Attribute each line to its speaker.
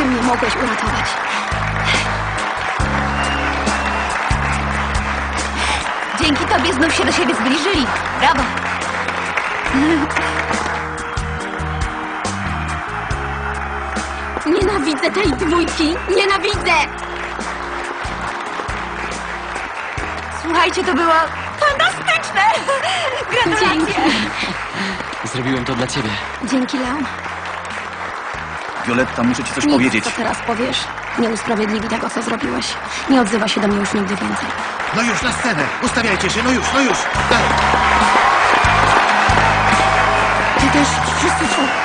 Speaker 1: Ty mnie mogłeś uratować.
Speaker 2: Dzięki tobie znów się do siebie zbliżyli. Brawo!
Speaker 1: Nienawidzę tej dwójki! Nienawidzę!
Speaker 2: Słuchajcie, to było fantastyczne! Gratulacje!
Speaker 1: Dzięki.
Speaker 3: Zrobiłem to dla ciebie.
Speaker 1: Dzięki, Leon.
Speaker 4: Violetta, muszę ci coś
Speaker 1: Nic,
Speaker 4: powiedzieć.
Speaker 1: co teraz powiesz, nie usprawiedliwi tego, co zrobiłeś. Nie odzywa się do mnie już nigdy więcej.
Speaker 5: No już na scenę! Ustawiajcie się, no już, no już! Dalej.
Speaker 1: Ty też, wszyscy są...